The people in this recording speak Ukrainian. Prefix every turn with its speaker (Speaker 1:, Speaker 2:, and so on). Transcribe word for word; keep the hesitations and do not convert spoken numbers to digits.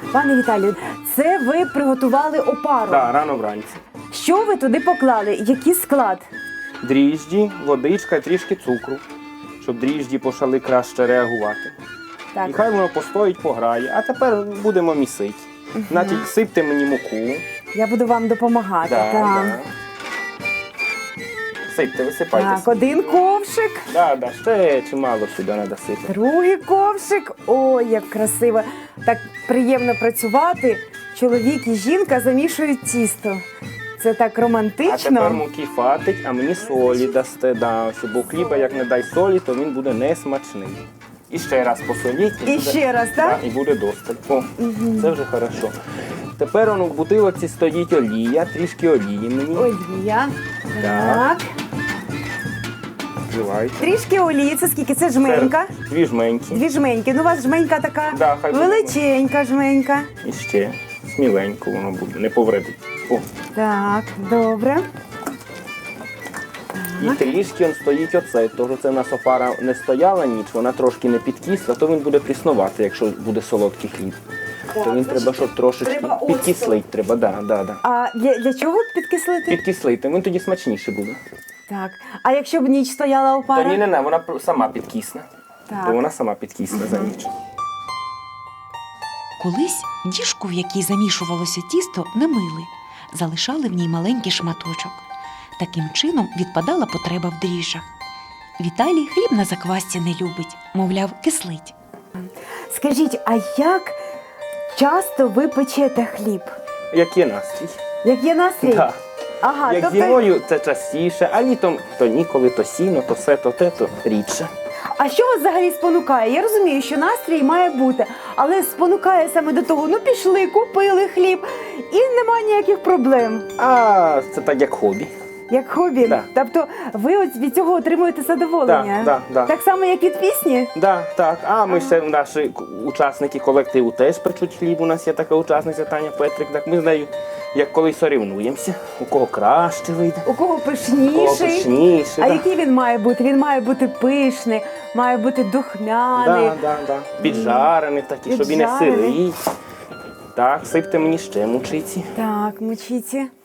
Speaker 1: Пане Віталію, це ви приготували опару.
Speaker 2: Да, рано вранці.
Speaker 1: Що ви туди поклали? Який склад?
Speaker 2: Дріжджі, водичка і трішки цукру, щоб дріжджі почали краще реагувати.
Speaker 1: Так.
Speaker 2: І хай воно постоїть, пограє. А тепер будемо місити. Угу. Значить, сипте мені муку.
Speaker 1: Я буду вам допомагати.
Speaker 2: Да,
Speaker 1: так.
Speaker 2: да. Сипте, висипайте.
Speaker 1: Так,
Speaker 2: сипте.
Speaker 1: один ковшик,
Speaker 2: Да, да, ще чимало сюди треба сипати.
Speaker 1: другий ковшик. Ой, як красиво. Так приємно працювати. Чоловік і жінка замішують тісто. Це так
Speaker 2: А
Speaker 1: романтично.
Speaker 2: тепер муки фатить, а мені солі дасте. Да, щоб у хліба, як не дай солі, то він буде несмачний. І ще раз посоліть.
Speaker 1: І
Speaker 2: буде,
Speaker 1: ще раз, так?
Speaker 2: Да, і буде досталь. О, це вже хорошо. Тепер воно в бутилоці стоїть олія, трішки олії мені.
Speaker 1: Олія.
Speaker 2: Так.
Speaker 1: Так.
Speaker 2: Вливайте.
Speaker 1: Трішки олії. Це скільки? Це жменька.
Speaker 2: Це Дві жменьки.
Speaker 1: Дві жменьки. Ну, у вас жменька така
Speaker 2: Да, хай буде.
Speaker 1: величенька жменька.
Speaker 2: І ще сміленько воно буде, не повредить. О.
Speaker 1: Так, добре.
Speaker 2: І трішки он стоїть оцей, тож це в нас опара не стояла ніч, вона трошки не підкисла, то він буде пріснувати, якщо буде солодкий хліб.
Speaker 1: Так,
Speaker 2: то він
Speaker 1: значить,
Speaker 2: треба, щоб трошечки
Speaker 1: треба оцту.
Speaker 2: підкислить треба, да, да, да.
Speaker 1: А для, для чого підкислити?
Speaker 2: Підкислити, він тоді смачніше буде.
Speaker 1: Так. А якщо б ніч стояла
Speaker 2: Та
Speaker 1: опара?
Speaker 2: ні, не, не, вона сама підкисне.
Speaker 1: Так.
Speaker 2: То вона сама підкисне за ніч.
Speaker 3: Колись діжку, в якій замішувалося тісто, не мили. Залишали в ній маленький шматочок. Таким чином відпадала потреба в дріжджах. Віталій хліб на заквасці не любить, мовляв, кислить.
Speaker 1: Скажіть, а як часто ви печете хліб?
Speaker 2: Як є настрій.
Speaker 1: Як є настрій?
Speaker 2: Да.
Speaker 1: Ага,
Speaker 2: Як
Speaker 1: тобто...
Speaker 2: зимою це частіше, а літом то ніколи, то сіно, то все, то те, то рідше.
Speaker 1: А що вас взагалі спонукає? Я розумію, що настрій має бути, але спонукає саме до того, ну пішли, купили хліб і немає ніяких проблем.
Speaker 2: А це так як хобі.
Speaker 1: Як хобі.
Speaker 2: Да.
Speaker 1: Тобто ви от від цього отримуєте задоволення?
Speaker 2: Да, да, да.
Speaker 1: Так само, як від пісні?
Speaker 2: Да, так. А ми ще наші к- учасники колективу теж печуть хліб. У нас є така учасниця Таня Петрик. Так ми з нею як колись сорівнуємося, у кого краще вийде,
Speaker 1: У кого
Speaker 2: у кого
Speaker 1: пишніший?
Speaker 2: пишніше.
Speaker 1: А
Speaker 2: да.
Speaker 1: який він має бути? Він має бути пишний, має бути духмяний.
Speaker 2: Да, да, да. Піджарений такий, щоб і не
Speaker 1: Піджарений.
Speaker 2: сирий. Так, сипте мені ще мучиці.
Speaker 1: Так, мочіться.